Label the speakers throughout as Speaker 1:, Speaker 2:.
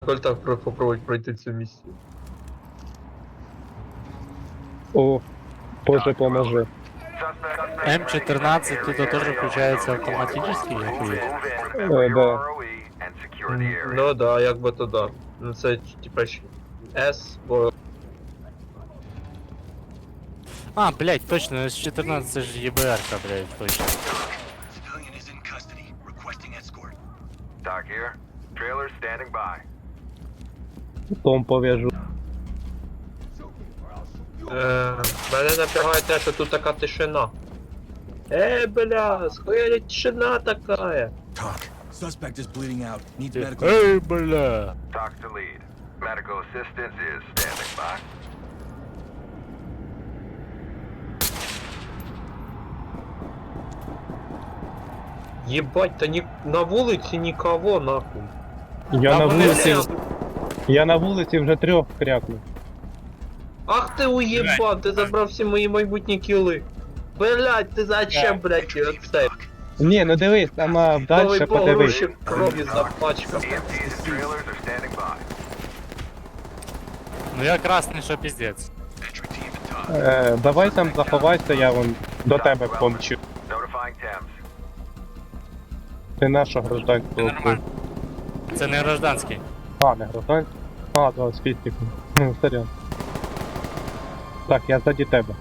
Speaker 1: Коль так попробовать пройти цю миссию.
Speaker 2: О, Боже, поможи.
Speaker 3: М14 тут тоже включается автоматически, я хуй.
Speaker 2: Да.
Speaker 1: Ну да, як би то да. Ну це типа S, бо
Speaker 3: А, блять, точно, С14 це ж ЄБР-ка, блять, точно.
Speaker 4: Civilian is in custody, requesting escort. Doc here. Trailer standing by.
Speaker 2: Том пов'яжу.
Speaker 1: мене напрягає те, що тут така тишина. Бля, схуяли тишина такая.
Speaker 4: Talk. Suspect is bleeding out. Needs medical.
Speaker 3: Ей, бля.
Speaker 4: Talk to lead. Medical assistance is standing by.
Speaker 1: Єбать, та на вулиці нікого нахуй.
Speaker 2: Я на
Speaker 3: вони
Speaker 2: вулиці.
Speaker 3: всі-
Speaker 2: Я на вулиці вже 3 крякнув.
Speaker 1: Ах ти уєбан, ти забрав всі мої майбутні кіли. Блять, ти зачем, блять, оце?
Speaker 2: Ні, ну дивись, там
Speaker 1: Новий
Speaker 2: дальше подивись.
Speaker 1: погрузчик крові запачкав.
Speaker 4: EMTs and trailers are standing by.
Speaker 3: Ну я красний, що піздець.
Speaker 4: Entry team to talk.
Speaker 2: Давай там заховайся, я вон до тебе помчу.
Speaker 4: Notifying Thames.
Speaker 2: Ти нашого гражданського.
Speaker 3: Нормально. Це не гражданський.
Speaker 2: А, не гражданський? А, да, з фістиком. Ну, сорян. Так, я ззаді тебе.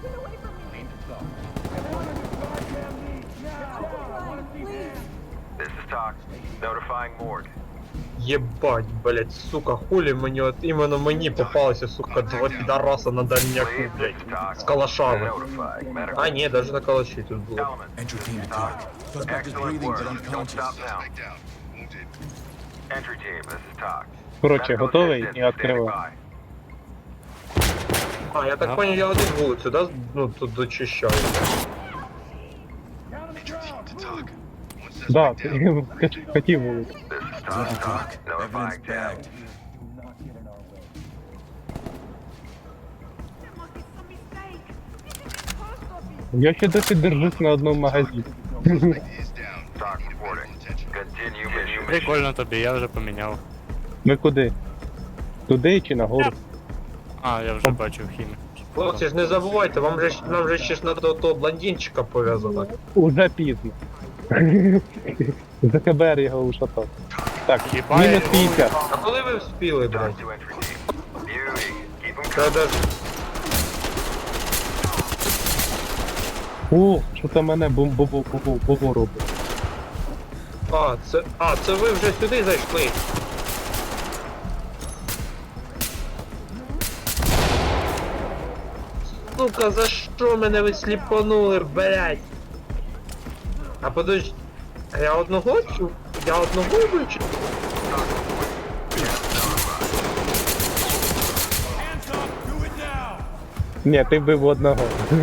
Speaker 4: This is Talk. Notifying morgue.
Speaker 1: Єбать, блять, сука, хулі мені от іменно мені попалося, сука, два підараса на дальняку,
Speaker 4: Please, this
Speaker 1: блять,
Speaker 4: is Talk.
Speaker 1: з калашами.
Speaker 4: Notifying medical.
Speaker 1: А ні, даже на калаші тут було.
Speaker 4: Element.
Speaker 5: Entry team to
Speaker 4: Talk.
Speaker 5: talk. Suspect is
Speaker 4: Excellent
Speaker 5: breathing
Speaker 4: work.
Speaker 5: but
Speaker 4: Don't
Speaker 5: unconscious.
Speaker 4: stop now. Entry team, this is Talk.
Speaker 2: Коротше,
Speaker 4: Medical
Speaker 2: готовий
Speaker 4: assistance
Speaker 2: і
Speaker 4: is standing
Speaker 2: відкриваю.
Speaker 4: by.
Speaker 1: А, я так
Speaker 3: Ага.
Speaker 1: понял, я один вулицю, да? Ну, тут дочищаю.
Speaker 5: Entry team to talk. One
Speaker 2: Да,
Speaker 5: suspect
Speaker 2: ти
Speaker 5: down.
Speaker 2: хотів вулицю.
Speaker 4: This is
Speaker 5: Zero
Speaker 4: Talk.
Speaker 5: talk. Evidence
Speaker 4: Notifying Thames.
Speaker 5: bagged.
Speaker 2: Я ще досі держусь на одному магазині.
Speaker 5: Suspect is down.
Speaker 4: Talk reporting. Continue mission.
Speaker 3: Прикольно тобі, я вже поміняв.
Speaker 2: Ми куди? Туди чи нагору?
Speaker 3: А, я вже бачив хімію.
Speaker 1: Хлопці ж не забувайте, нам же ще ж надо того блондинчика пов'язати.
Speaker 2: Уже пізно. ЗКБР його ушатав. Так,
Speaker 3: Їбає.
Speaker 2: мінус 50.
Speaker 1: А коли ви вспіли, блядь?
Speaker 4: Talk to entry team. Beauty. Keep them
Speaker 1: Та даже...
Speaker 2: О, що це мене бубу робить.
Speaker 1: це ви вже сюди зайшли. Сука, за що мене ви сліпанули, блядь? А подожди, а я одного чув? Я одного вичу?
Speaker 2: Ні, ти бив одного.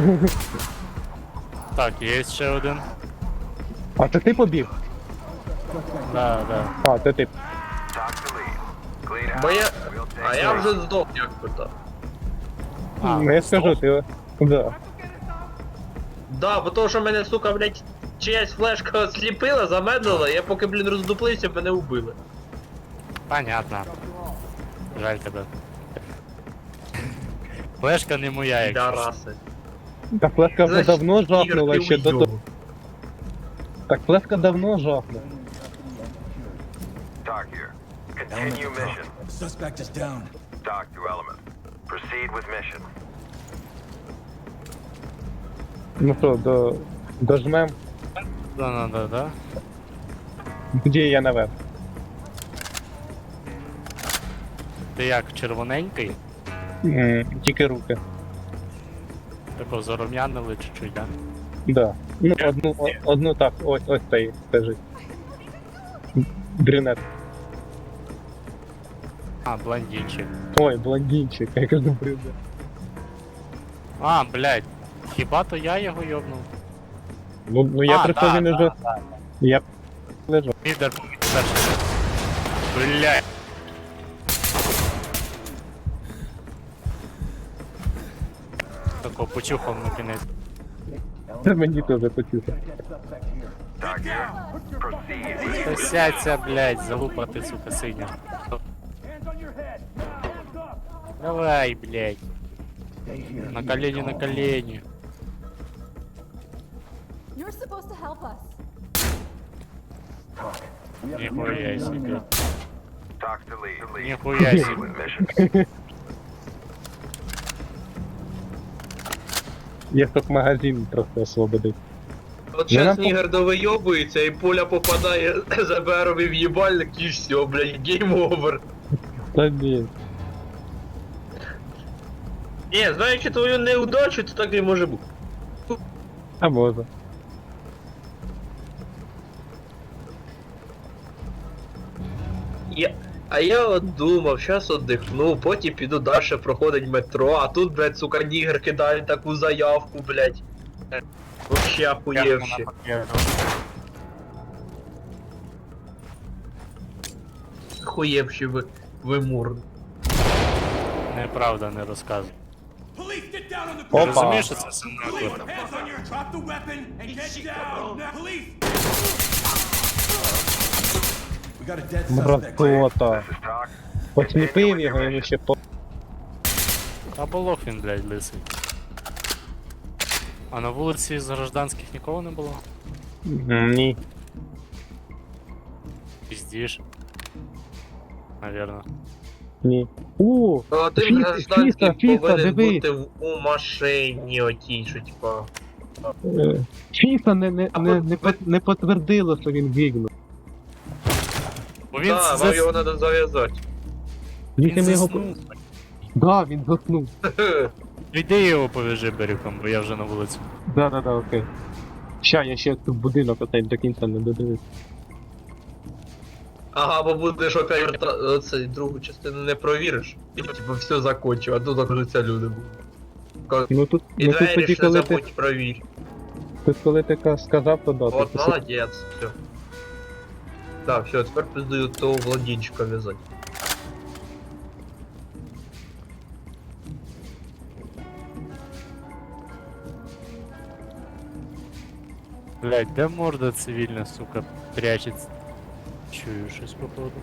Speaker 3: Так, є ще один.
Speaker 2: А це ти побіг?
Speaker 3: Да, да.
Speaker 2: А, це ти.
Speaker 4: Talk to lead. Clean
Speaker 1: Бо я...
Speaker 4: house. We'll
Speaker 1: А
Speaker 4: take
Speaker 1: я
Speaker 4: care.
Speaker 1: вже здох, як би так.
Speaker 3: А,
Speaker 2: Ну я скажу, ти. Да.
Speaker 1: Да, бо того, що мене, сука, блядь, чиясь флешка сліпила, замедлила, я поки, блін, роздуплився, мене убили.
Speaker 3: Понятно. Жаль тебе. Флешка не моя, якщо. що.
Speaker 1: Підараси.
Speaker 2: Та флешка вже
Speaker 1: Значить,
Speaker 2: давно
Speaker 1: Ігор,
Speaker 2: жахнула
Speaker 1: ти
Speaker 2: ще до того.
Speaker 1: уйобок.
Speaker 2: Так флешка давно жахнула.
Speaker 4: Talk here.
Speaker 5: Element
Speaker 4: Continue
Speaker 5: to
Speaker 4: mission.
Speaker 5: talk. Suspect is down.
Speaker 4: Talk to element. Proceed with mission.
Speaker 2: Ну що, дожмем.
Speaker 3: Да.
Speaker 2: Тоді я наверх.
Speaker 3: Ти як, червоненький?
Speaker 2: Тільки руки.
Speaker 3: Тако зарум'янили чуть-чуть, да?
Speaker 2: Да. Ну, одну так, ось цей лежить. Брюнет.
Speaker 3: А, блондинчик.
Speaker 2: Ой, блондинчик, я кажу брюнет.
Speaker 3: А, блядь. Хіба то я його йобнув?
Speaker 2: Ну я прийшов, він уже. Я лежав.
Speaker 3: Підер перший. Блядь. Тако почухав на кінець.
Speaker 2: Це мені теж почув.
Speaker 4: Talk here. Proceed with
Speaker 3: Та сядься, блядь, залупа ти, сука, синя. Давай, блядь. На колени, на колени.
Speaker 6: You're supposed to help us.
Speaker 3: Нихуя себе.
Speaker 4: Talk to lead.
Speaker 3: Нихуя себе.
Speaker 4: With mission.
Speaker 2: Я тут магазин трохи освободив.
Speaker 1: От
Speaker 2: Ну,
Speaker 1: зараз
Speaker 2: нам
Speaker 1: Нігер довийобується і пуля попадає за БРові в їбальник і все, блядь, гейм овер.
Speaker 2: Та ні.
Speaker 1: Ні, знаючи твою неудачу, то так і може бути.
Speaker 2: А може.
Speaker 1: А я от думав, щас отдихну, потім піду далі проходить метро, а тут, блядь, сука, Нігер кидає таку заявку, блядь. Вообще охуєвші. Охуєвші ви мур.
Speaker 3: Неправда, не розказуй.
Speaker 5: Police, get down on the
Speaker 3: Ти
Speaker 2: Опа.
Speaker 3: розумієш, що це симулятор?
Speaker 5: Hands on your. Drop the weapon and get down. Now, police. We got a dead suspect.
Speaker 2: Мразота.
Speaker 4: This is talk.
Speaker 2: Осліпив його, йому ще по...
Speaker 3: Та болох він, блядь, лисий. А на вулиці з гражданських нікого не було?
Speaker 2: Ні.
Speaker 3: Піздіш. Навірно.
Speaker 2: Ні.
Speaker 1: Один
Speaker 2: Фіса,
Speaker 1: гражданський
Speaker 2: Фіса,
Speaker 1: повинен
Speaker 2: дивись.
Speaker 1: бути у машині отій, що типа.
Speaker 2: Фіса
Speaker 1: ви-
Speaker 2: не підтвердило, що він гігнув.
Speaker 3: Бо він
Speaker 1: Так, вам його треба зав'язати.
Speaker 2: Він його...
Speaker 3: заснув.
Speaker 2: Да, він заснув.
Speaker 3: Йди його повяжи берегом, бо я вже на вулиці.
Speaker 2: Да, окей. Ща, я ще тут будинок оцей до кінця не додивився.
Speaker 1: Ага, бо будеш оцей другу частину не провіриш. І типу все закончив, а тут окажуться люди будуть.
Speaker 2: Ну тут,
Speaker 1: І
Speaker 2: ну, тут
Speaker 1: двері
Speaker 2: тоді,
Speaker 1: ж не
Speaker 2: коли ти,
Speaker 1: забудь провір.
Speaker 2: тут, коли ти сказав, то да.
Speaker 1: От
Speaker 2: ти
Speaker 1: молодець, все. Так, все, тепер пиздую того Владінчика в'язати.
Speaker 3: Блядь, де морда цивільна, сука, прячеться? Чую щось походу.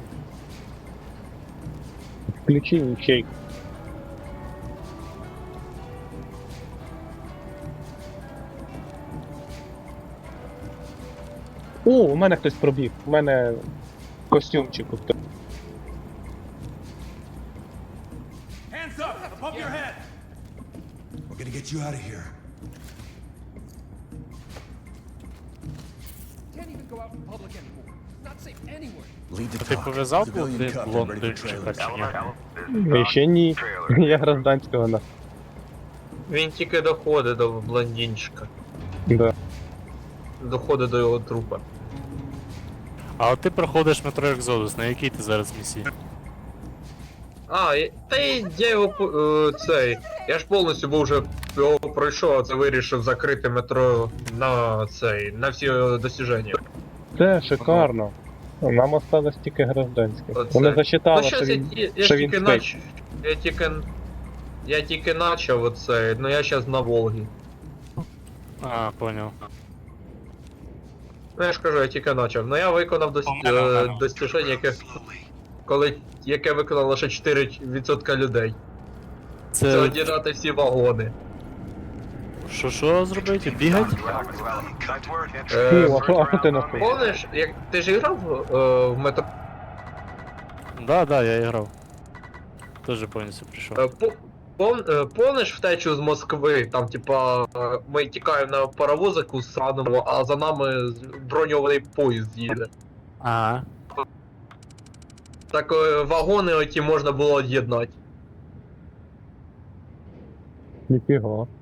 Speaker 2: Включи ячейк. О, у мене хтось пробіг. У мене костюмчик.
Speaker 5: Hands up, above your head. We're gonna get you out of here.
Speaker 7: Can't even go out in public anymore. Not safe anywhere.
Speaker 5: Lead to
Speaker 3: Ти
Speaker 5: talk.
Speaker 3: пов'язав
Speaker 5: Civilian
Speaker 3: ти
Speaker 5: cuffed and ready for
Speaker 3: блондинчика
Speaker 5: trailers.
Speaker 3: чи ні?
Speaker 2: Ще ні. Я гражданського на.
Speaker 1: Він тільки доходить до блондинчика.
Speaker 2: Да.
Speaker 1: Доходить до його трупа.
Speaker 3: А от ти проходиш метро Екзодус, на якій ти зараз місії?
Speaker 1: Та я його цей. Я ж повністю був вже його пройшов, а це вирішив закрити метро на цей, на всі досяження.
Speaker 2: Це шикарно. Нам осталось тільки гражданське.
Speaker 1: Оце.
Speaker 2: Вони засчитали,
Speaker 1: Ну
Speaker 2: що
Speaker 1: щас
Speaker 2: він...
Speaker 1: я
Speaker 2: що
Speaker 1: ж
Speaker 2: він
Speaker 1: тільки
Speaker 2: спить.
Speaker 1: Я тільки начав оце, ну я щас на Волгі.
Speaker 3: А, поняв.
Speaker 1: Ну я ж кажу, я тільки начав. Ну я виконав достіження, яке виконало лише 4% людей. Це
Speaker 3: Це
Speaker 1: одірати всі вагони.
Speaker 3: що зробити? Бігать?
Speaker 4: Nice work.
Speaker 2: А що ти на
Speaker 1: Помниш, як ти ж грав в метро?
Speaker 3: Да, я грав. Тоже повністю прийшов.
Speaker 1: Помниш втечу з Москви, там типа ми тікаємо на паровозику сраному, а за нами броньований поїзд їде.
Speaker 3: Ага.
Speaker 1: Так вагони оті можна було од'єднати.
Speaker 2: Ніфіга.